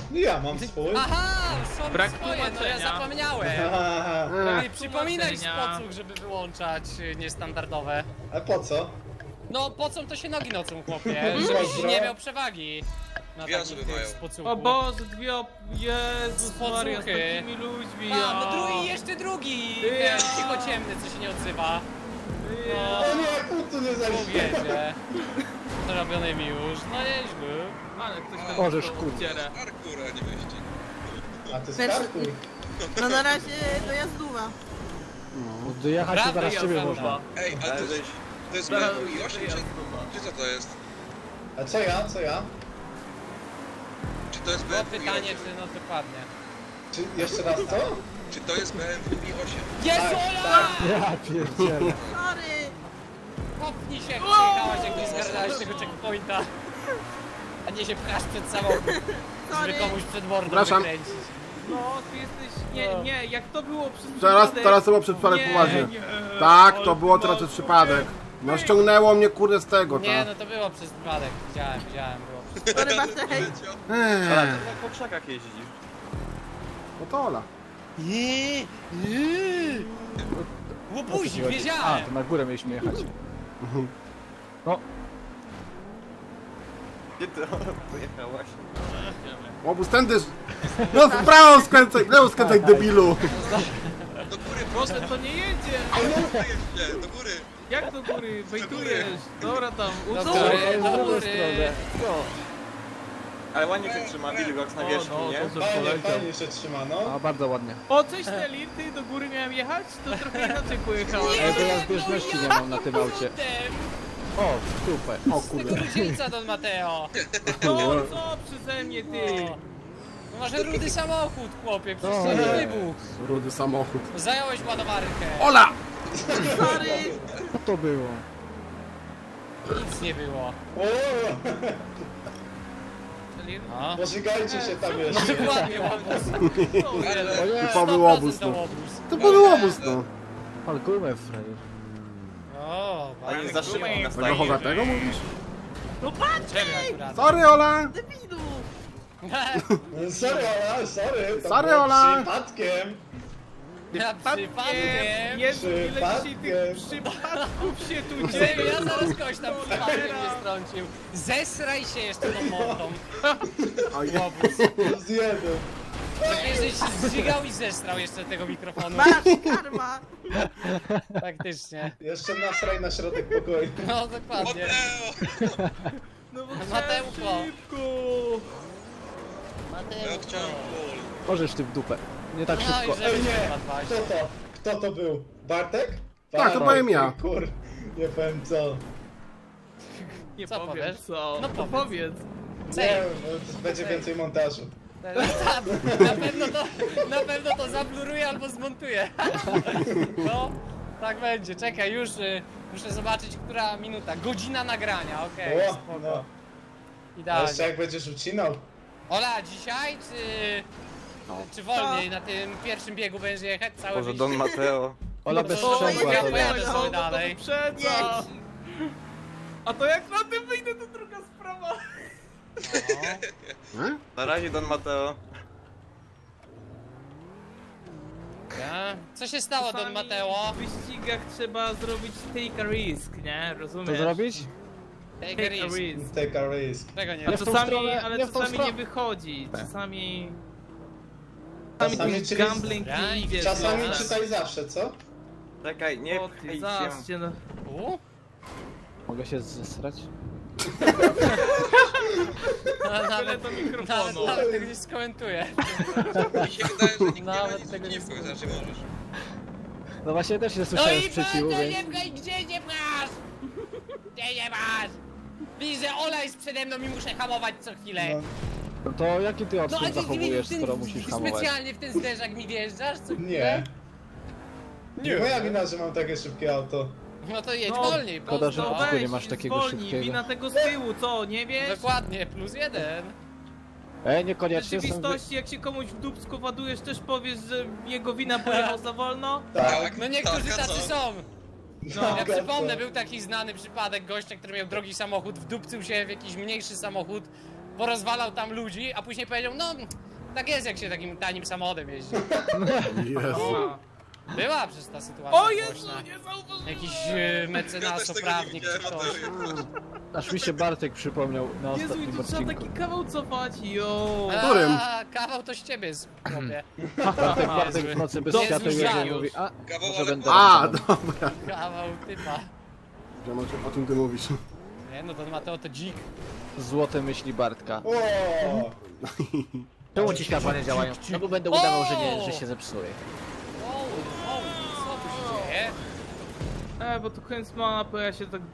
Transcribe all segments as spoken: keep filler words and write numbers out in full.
Ja mam swój. Aha, są Brak swoje, no ja tłumaczenia. zapomniałem. Aha. No Ech, i przypominaj tłumaczenia. sposób, żeby wyłączać y, niestandardowe. A po co? No po co to się nogi nocą, chłopie? Mhm. Żebyś Dobra. nie miał przewagi na Dwie takich osoby tych mają. spocuchów. O Boże, dwie op... Jezus Spocuchy. Maria, z takimi ludźmi, A, ja. no drugi, jeszcze drugi! Ja. Ten cichociemny, co się nie odzywa. Ja. O nie, kurtu nie zajdzie. Mówię, zrobiony mi już, no nieźle. Ale ktoś tam Możesz, dostał kurde. obcierę. Parkour, a nie wyścig. A ty Pierwszy- skarkuj. No na razie dojazdowa. No, dojechać to Prawda, zaraz ciebie Jolanda. można. Ej, ale to jest, to jest B M W i osiem, czy, czy co to jest? A co ja, co ja? Czy to jest B Było M W i pytanie, osiem? czy no dokładnie. Czy jeszcze raz co? Czy to jest B M W i osiem? Jezu, Ola! Ja pierdzielę. Sorry! Popnij się, jak przyjechałaś, jak nie zgarnąłeś tego checkpointa. A nie się pchasz przed samochód, żeby Sorry! komuś przed mordą Przepraszam. wykręcić. No, ty jesteś... Nie, nie, jak to było przez Teraz, przypadek- teraz to było przez przypadek Nie, poważnie. nie, Tak, ale to ty było teraz masz- przez przypadek. No ściągnęło mnie kurde z tego, Nie, tak. no to było przez przypadek. Widziałem, widziałem, było przez Sorry Bartek! Eee, Po krzakach jeździsz. no to Ola. Łobuzik, A, wiedziałem! to na górę mieliśmy jechać. No, Gdzie ty pojechałaś? Obóz tędy. No w prawo skręcaj, w lewo skręcaj debilu. Do góry, Proszę, to nie jedzie! nie, do góry. Jak do góry? Wejtujesz! Dobra tam, Do uczuł! góry, w do drugą góry. stronę. No. Ale ładnie się trzyma Wilgox na O, wierzchu, no, nie? dobrze Fajnie, poleciał. fajnie się trzyma, no. A, bardzo ładnie. O, cześć Nelly, ty do góry miałem jechać? To trochę inaczej pojechałem. Ej, bo ja zbieżności nie mam na tym aucie. Kurde, O, super. O z kurde. tego różnica, Don Mateo. No, co przeze mnie, ty? No. No masz rudy samochód, chłopie, przecież No to nie nie. wybuch. Rudy samochód. Zająłeś ładowarkę. Ola! Sorry! Co to było? Nic nie było. O, No. pożygajcie się tam No jeszcze. dokładnie, łobuz. To był sto procent obóz, to no. łobuz. To był obóz, no. Ale gumę frajer. O, A nie bardzo za szybko miło. na Tego stanie. chogatego mówisz? No patrz! Ciebie akurat. Sorry Ola! Debilu! Sorry Ola, sorry. to Sorry, było Ola. Przypadkiem. Ja przypadkiem. Jezu, ile dzisiaj Przypadkiem. tych przypadków się tu Nie, dzieje. ja zaraz kogoś tam przypadkiem nie strącił. Zesraj się jeszcze tą mordą. Oj, Łobuz. Z jeden. Tak żeś się zżygał i zesrał jeszcze tego mikrofonu. Masz karma! Faktycznie. Jeszcze nasraj na środek pokoju. No dokładnie. Mateo! No bo Mateuszko. chciałem szybko. Ja chciałem pól. Możesz ty w dupę. Nie tak No i szybko. żeby Ej, nie. się dbać. Kto to? Kto to był? Bartek? Tak, to byłem ja. Kur, nie powiem co. Nie Co powiem powiesz? co. No No powiedz. powiedz. Nie wiem, bo to będzie więcej montażu. Na pewno to, na pewno to zabluruje albo zmontuje. No, tak będzie. Czekaj, już y, muszę zobaczyć, która minuta. Godzina nagrania, okej. O, spoko. no. A Idealnie. jeszcze jak będziesz ucinał. Ola, dzisiaj czy, czy wolniej na tym pierwszym biegu będziesz jechać cały Boże, wyścig? Don Mateo. Ola No bez to- sprzęgła ja to pojadę nie. sobie No, dalej. To wyprzedza. A to jak na tym wyjdę, to druga sprawa. No, E? Na razie Don Mateo. ja. Co się stało, Don Czasami Mateo? W wyścigach trzeba zrobić take a risk, nie? Rozumiesz? To zrobić? Take a Take a risk. risk. Take a risk. Tego nie A Nie w tą czasami, stronę, ale nie w tą czasami stronę. nie wychodzi. Czasami... Czasami Czasami czyli- gambling Ja nie i idzie. Czasami no. czytaj zawsze, co? Czekaj, nie O pchaj ty, się. zaście, no. U? Mogę się zesrać? Nawet, Tyle do nawet, mikrofonu. nawet tego nie skomentuję. Mi się wydaje, że nikt nie ma Nawet nic tego nie przeciwko, znaczy możesz. No właśnie też nie No słyszałem i sprzeciwu, bardzo więc... nie pchaj, gdzie nie pchasz? Gdzie nie masz? Widzę, Ola jest przede mną i muszę hamować co chwilę. No, No to jaki ty No odstęp a ty, ty, zachowujesz, ty, skoro ty musisz hamować? specjalnie w ten zderzak mi wjeżdżasz co chwilę? nie. Nie moja wina, że mam takie szybkie auto. No to jedź No, wolniej, szkoda, że pozdro. w ogóle nie weź, masz takiego zwolnij, szybkiego. wina tego z tyłu, co, nie wiesz? Dokładnie, plus jeden. Ej, W niekoniecznie są... rzeczywistości, jak się komuś w dupsku ładujesz, też powiesz, że jego wina pojechał za wolno? Tak. No niektórzy tak, a tacy co? są. No, Ja przypomnę, był taki znany przypadek gościa, który miał drogi samochód, wdupcył się w jakiś mniejszy samochód porozwalał tam ludzi, a później powiedział, no tak jest jak się takim tanim samochodem jeździ. Jezu. A. Była przez ta sytuacja O Jezu, głośna. nie zauważyłem! Jakiś e, Ja też mecenas, tego nie prawnik czy widziałem, ktoś. a Aż mi się Bartek przypomniał na Jezu, i ostatnim tu trzeba odcinku. taki kawał cofać, jo! Którym? A, kawał to z ciebie, chłopie. Bartek, Bartek w nocy bez Jezu, światła Jezu. i mówi, a Kawał, może ale będę... A, tam. dobra. Kawał typa. Wiem, o, o czym ty mówisz. Nie no, to Mateo to dzik. Złote myśli Bartka. O, Czemu ci światła nie działają? No bo będę udawał, że nie, że się zepsuje. Wow, wow, co tu się dzieje? E, bo to koniec mapy, ja się tak...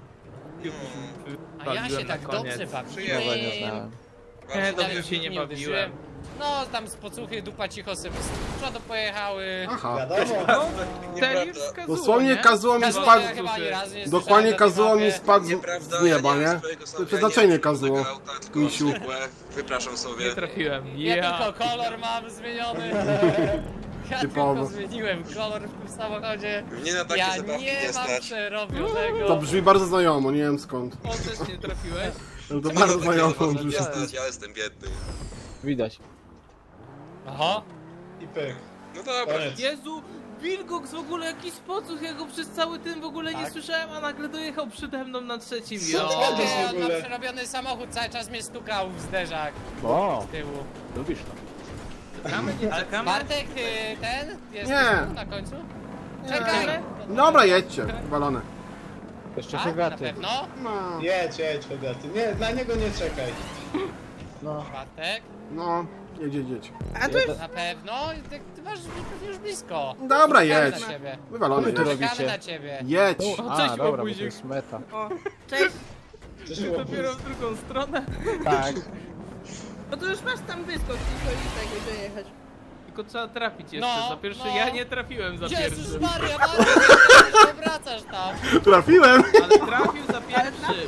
A ja się bawiłem tak na koniec. dobrze Przyjemnie. Nowe nie bawiłem. znałem. Nie, Bardzo dobrze Nawet się nie bawiłem. uderzyłem. No, tam z pocuchy dupa cicho sobie z przodu pojechały. Aha. wiadomo. Ten już Nieprawda. wskazuje, Dosłownie nie? kazuło mi Kazuło, spadł... ja chyba ani razu nie Dokładnie słyszałem kazuło na tej mi mapie. spadł z, Nieprawda, z nieba, ja nie mam nie? swojego To samochodu, przeznaczenie ja nie mam kazuło. swojego auta, tylko Misiu. zwykłe. Wypraszam sobie. Nie trafiłem, Ja ja! tylko kolor mam zmieniony. Ja Typowo. tylko zmieniłem kolor w tym samochodzie. Mnie na takie Ja zabawki nie nie mam stać. przerobionego. To brzmi bardzo znajomo, nie wiem skąd. O, też nie trafiłeś? No to Mnie bardzo na takie znajomo zabawki nie brzmi. stać, ja jestem biedny. Widać. Aha. I pyk. No dobra. Koniec. Jezu! Wilgox w ogóle jakiś spocuch, ja go przez cały tym w ogóle nie Tak? słyszałem, a nagle dojechał przede mną na trzecim. Co Jo! ty gadasz? Nie, w on ma ogóle? przerobiony samochód, cały czas mnie stukał w zderzak O, z tyłu. lubisz to. Czekamy, nie czekamy? Bartek, ty, ten? Jest Nie. tu na końcu? Nie. Czekaj! Dobra, jedźcie, walone. Jeszcze Tak, na Hogaty. pewno? No, Jedź, jedź, Hogaty. Nie, na niego nie czekaj. No. Bartek? no, jedź, jedź, jedź. A to jest... Na pewno? Ty, ty masz już blisko. Dobra, Czekamy jedź. na ciebie. Wywalony Co wy tu jedź. robicie? Czekamy na ciebie. Jedź. O, A, cześć, dobra, bo to łobuzik. jest meta. O, cześć. Przyszło Dopiero w drugą stronę. Tak. No to już masz tam wyskok i tego dojechać. Tylko trzeba trafić jeszcze No, za pierwszy. no. Ja nie trafiłem za Jezus pierwszym. Maria, Bartek, nie wracasz tam. Trafiłem. Ale trafił za pierwszym.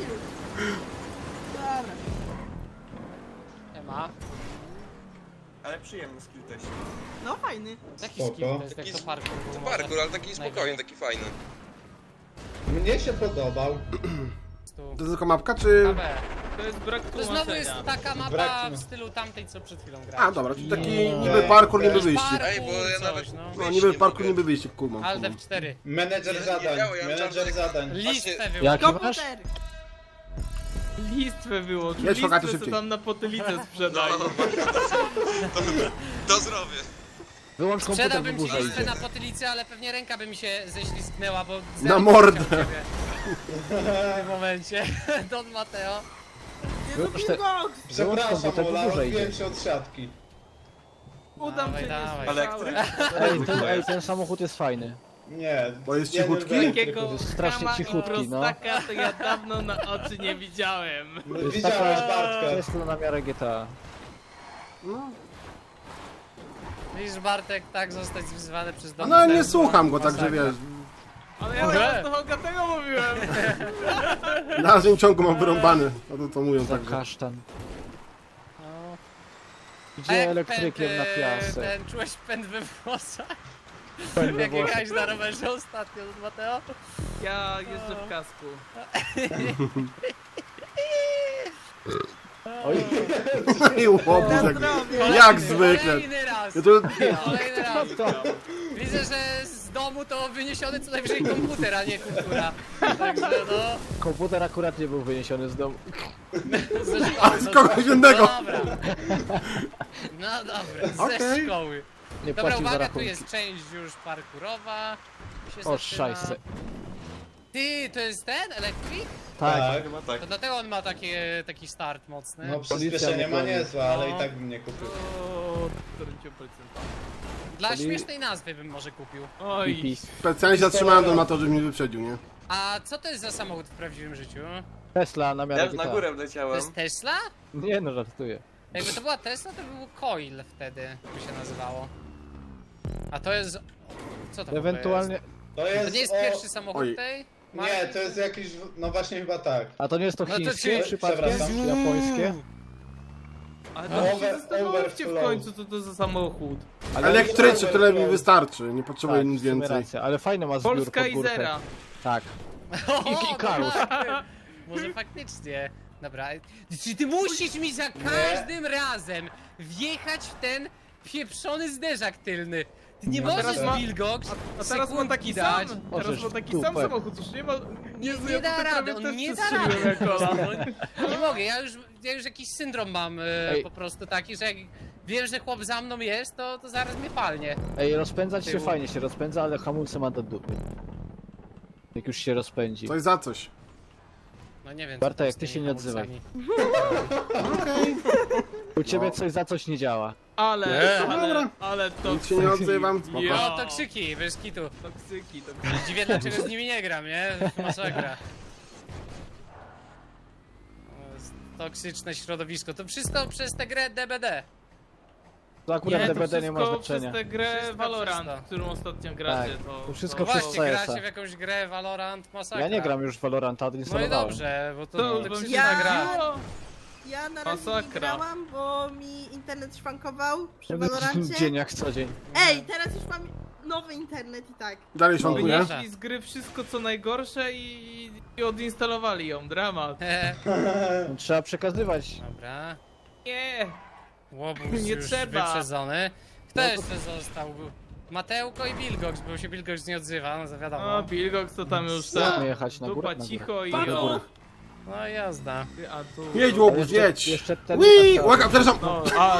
Dobra. Nie ma. Ale przyjemny skill też. No fajny. Jaki Spoko. skill to jest, jak Taki- to parkour był To może? parkour, ale taki spokojny, taki fajny. Mnie się podobał. To jest tylko mapka, czy... K B. To jest brak To znowu jest tłumaczenia. taka mapa Brak- w stylu tamtej, co przed chwilą grałem. A, dobra, czyli taki Nie. niby parkour, niby wyjście. Parkour, Ej, bo ja coś, nawet- no. No, wyjść niby nie parkour, mogę. niby wyjście, kumam. Alt kumam. F cztery. Menedżer Nie, nie zadań, działo, ja menedżer myślałem, że- zadań. Listę Właśnie- wyłącz. Jaki masz? Komputer. Listwę wyłącz. Jedź, Hogaty, Listwę, co szybciej. tam na potylicę No, sprzedają. to, to zrobię. Wyłącz komputer, bo Sprzedałbym ci burza listę idzie. na potylicę, ale pewnie ręka by mi się ześlizgnęła, bo... Na zerk mordę. chciał ciebie. W tym momencie. Don Mateo. Jezu, Wyłącz te- Wilgox. Przepraszam, komputer, bo Ola, burza odbiłem idzie. się od siatki. Udam Dawaj, się, nie dawaj. słyszałem. Ej, ten, ej, ten samochód jest fajny. Nie. Bo jest jeden cichutki? elektryk Takiego jest. strasznie chama i cichutki, no. prostaka to ja dawno na oczy nie widziałem. To jest Widziałeś taka Bartka. Tesla na miarę G T A. No, Widzisz, Bartek, tak zostać wzywany przez Don no Mateo. nie słucham go, także Masakra. wiesz. Ale ja Może? teraz do Hogatego mówiłem. Na razie ciągu mam wyrąbany. No to to mówią Za także. kasztan. No. A Idzie jak elektrykiem pęd, na e, piasek. Ten, czułeś pęd we włosach? Pęd we Jak włosach. jechałeś na rowerze ostatnio, Don Mateo? Ja jeżdżę w kasku. Oj, I łobuz Na jak... zdrowie. Jak zwykle. Kolejny raz! Ja to... Kolejny raz! to. Widzę, że z domu to wyniesiony co najwyżej komputer, a nie kultura. Także no... Komputer akurat nie był wyniesiony z domu. Ze szkoły. A, z kogoś innego. No dobra. No dobra, ze Okej. szkoły. Nie Dobra, płacił za uwaga, tu rachunki. jest część już parkurowa. Się O, zaczyna. szajse. Ty, to jest ten elektryk? Tak. Tak. Chyba tak. To dlatego on ma takie, taki start mocny. No Policja przyspieszenie mnie ma goni. niezłe, ale i No. tak bym nie kupił. O, którym policjanta. Dla Poli- śmiesznej nazwy bym może kupił. Oj, Pipi. Specjalnie się zatrzymałem do Mato, żeby mnie wyprzedził, nie? A co to jest za samochód w prawdziwym życiu? Tesla na miarę Ja G na T A. górę To wleciałem. jest Tesla? Nie no, żartuję. Jakby to była Tesla, to by był Coil wtedy, by się nazywało. A to jest... Co to w ogóle Ewentualnie... To jest? jest, To nie jest o... pierwszy samochód Oj. tej? Nie, to jest jakiś... No właśnie chyba tak. A to nie jest to No to chińskie ci- przypadkiem? przepraszam. Czy japońskie? ale No, to się over- zastanówcie w overflow. końcu, co to za samochód. Elektryczny, tyle mi wystarczy. Nie potrzebuję Tak, nic w sumie więcej. racja, ale fajne ma zbiór Polska pod i górkę. zera. Tak. O, I- i Karus. no tak. Może faktycznie. Dobra, czy ty musisz mi za każdym razem wjechać w ten pieprzony zderzak tylny? Ty nie No możesz, teraz ma- Wilgox, A teraz mam taki sam, dać. teraz Możesz mam taki w sam dupę. samochód, już nie ma... Nie, Jezu, nie ja da tutaj rady, prawie on też nie da przestrzeliłem rady. jak kola. Nie mogę, ja już, ja już jakiś syndrom mam e, Ej. po prostu taki, że jak wiem, że chłop za mną jest, to, to zaraz mnie palnie. Ej, rozpędzać się Tyłu. fajnie się rozpędza, ale hamulce ma do dupy. Jak już się rozpędzi. Coś za coś. No nie wiem. Bartek, co tam z ty tymi się nie odzywaj. hamulcami. U ciebie No. coś za coś nie działa. Ale, Nie. ale, Dobra. ale to... Nic się nie odzywam, spoko. Ja. No to krzyki, bez kitu. Toksyki, toksyki. Dziwię, dlaczego z nimi nie gram, nie? Masakra. O, jest Toksyczne środowisko. To wszystko przez tę grę D B D. To akurat Nie, to D B D nie ma wszystko znaczenia. przez tę grę Wszystko Valorant, przez to. którą ostatnio gracie, Tak, to... to wszystko No przez właśnie, C S a. gracie w jakąś grę Valorant, masakra. Ja nie gram już w Valoranta, No i odinstalowałem. dobrze, bo to, To to już wam się toksyczna Ja- gra. nagrało. Ja na razie nie Masakra. grałam, bo mi internet szwankował przy W Valorancie. dzień jak co dzień. Ej, teraz już mam nowy internet i tak. Dalej szwankuje. Wynieśli z gry wszystko co najgorsze i, i odinstalowali ją, dramat. E, No, trzeba przekazywać. Dobra. Nie! Łobuz Nie już trzeba. wyprzedzony. Kto No to- jeszcze został? Mateuko i Wilgox, bo się Wilgox nie odzywa, no to wiadomo. No, Bilgox to tam już Co? tak. Mamy jechać na górę? Dupa Na górę. cicho i Tak, na o. górę. No jazda. A tu... Jedź Ale łobuz, jeszcze- jedź! Jeszcze ten... Ui, łaka, przepraszam! No, a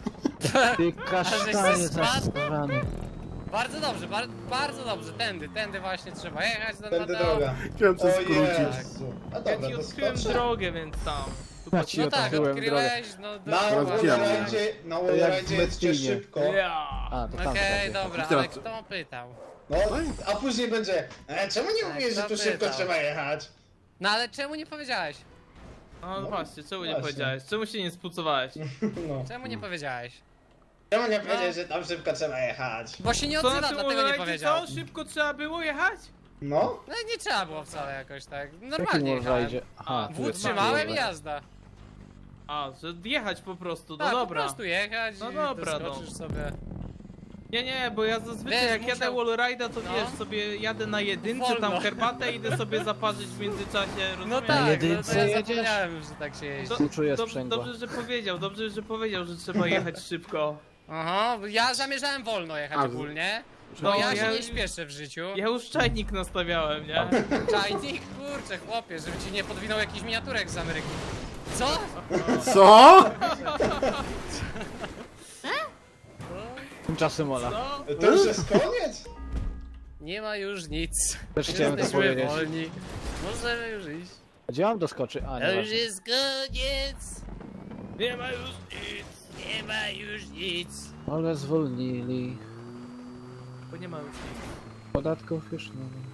Ty Ale kasztanie żeś se spadł? zasrany. Bardzo dobrze, bar bardzo dobrze, tędy, tędy właśnie trzeba jechać do Tędy Mateo. droga. Chciałem coś O skrócić. Jezu. A ja dobra, ci to odkryłem skoczę. drogę, więc tam. Ja ci No tak, otworzyłem drogę. odkryłeś, no do... Na Teraz Wallride'zie, na To jak w Wallride'zie jest jeszcze Mestinie. szybko. Ja. A, to tam Okej, okay, dobra, Teraz ale co? kto pytał? No, a później będzie, e, czemu nie Tak, mówisz, że tu kto szybko pytał? trzeba jechać? No ale czemu nie powiedziałeś? No, No, właśnie, czemu nie właśnie. powiedziałeś? Czemu się nie spucowałeś? No. Czemu nie powiedziałeś? Czemu nie powiedzieć, że tam szybko trzeba jechać? Bo się nie Co odzywa, na tym dlatego nie Wallride'zie, powiedział. co? Szybko trzeba było jechać? No? No nie trzeba było wcale jakoś tak. Jakim Normalnie jechałem. wallride'zie? Aha, A, tu W jest trzymałem i wallride. jazda. A, że jechać po prostu, no Tak, po dobra. prostu jechać No i dobra, doskoczysz no. sobie. Nie, nie, bo ja zazwyczaj Wiesz, jak musiał- jadę wallride'a, to No. wiesz, sobie jadę na jedynce, Wolno. tam herbatę idę sobie zaparzyć w międzyczasie, No rozumiesz? tak, no to jedynce ja jedziesz? zapomniałem, że tak się jeździ. Do, Współczuję dob- sprzęgła. dobrze, że powiedział, dobrze, że powiedział, że trzeba jechać szybko. Aha, bo ja zamierzałem wolno jechać A, ogólnie. No, Bo ja ja się nie już- śpieszę w życiu. Ja już czajnik nastawiałem, nie? Czajnik? Kurczę, chłopie, żeby ci nie podwinął jakiś miniaturek z Ameryki. Co? Co? Tymczasem Ola. No, To już jest koniec? Nie ma już nic. Też chciałem to Jesteśmy powiedzieć. wolni. Możemy już iść. Gdzie mam doskoczyć? A, To nie już jest koniec. nie ma już nic, Nie ma już nic. Ale zwolnili. bo nie ma już nic. Podatków już nie ma.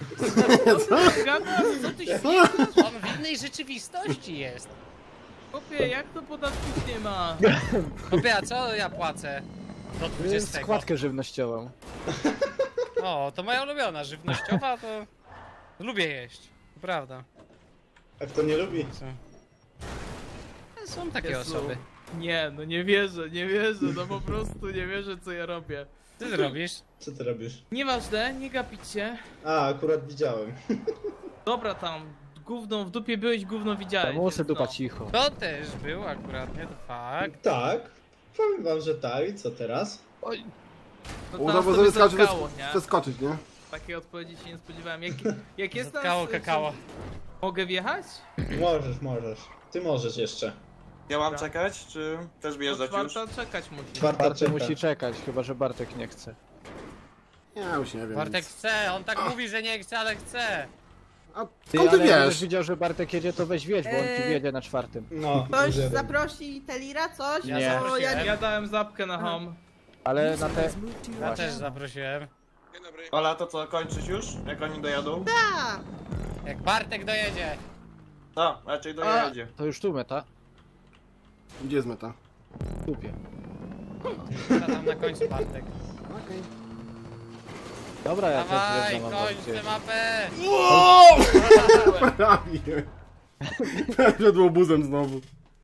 Gada, co ty się... On w innej rzeczywistości jest. Chłopie, jak to podatków nie ma? Chłopie, a co ja płacę? Do Jest dwudziestego. składkę żywnościową. O, to moja ulubiona, żywnościowa, to lubię jeść. To prawda. A kto nie lubi? Co? Są takie Jezu. osoby. Nie, no nie wierzę, nie wierzę, no po prostu nie wierzę co ja robię. Co ty robisz? Co ty robisz? Nieważne, nie gapić się. A, akurat widziałem. Dobra tam, gówno w dupie byłeś, gówno widziałeś. Musę więc dupa no. cicho. To też był akurat, nie? To fakt. Tak. Powiem wam, że tak. I co teraz? No Uda, teraz bo sobie sobie skacze zatkało, nie? przeskoczyć, nie? Takiej odpowiedzi się nie spodziewałem. Jak, jak jest tam... Zatkało kakao. Mogę wjechać? Możesz, możesz. Ty możesz jeszcze. Ja mam czekać, czy też Do wjeżdżać już? czwarta czekać musi. Czwarta Bartek czeka. musi czekać, chyba że Bartek nie chce. Ja już nie wiem. Bartek nic. chce, on tak mówi, że nie chce, ale chce. A Ty, skąd ty ale jakbyś wiesz? widział, że Bartek jedzie, to weź wiedź, bo on ci Eee. wjedzie na czwartym. No, Ktoś jeden. zaprosi Telira, coś? Ja Nie. Bo ja zaprosiłem. nie... Ja dałem zapkę na home. Ale na te... Ja też zaprosiłem. Dzień dobry. Ola, to co, kończyć już? Jak oni dojadą? Tak. Jak Bartek dojedzie. No, raczej A, dojedzie. to już tu meta. Gdzie jest meta? W dupie. Chyba tam na końcu Bartek. Dobra, ja Dawaj, też wjeżdżam. kończ tę mapę. Prawie. Przed łobuzem znowu.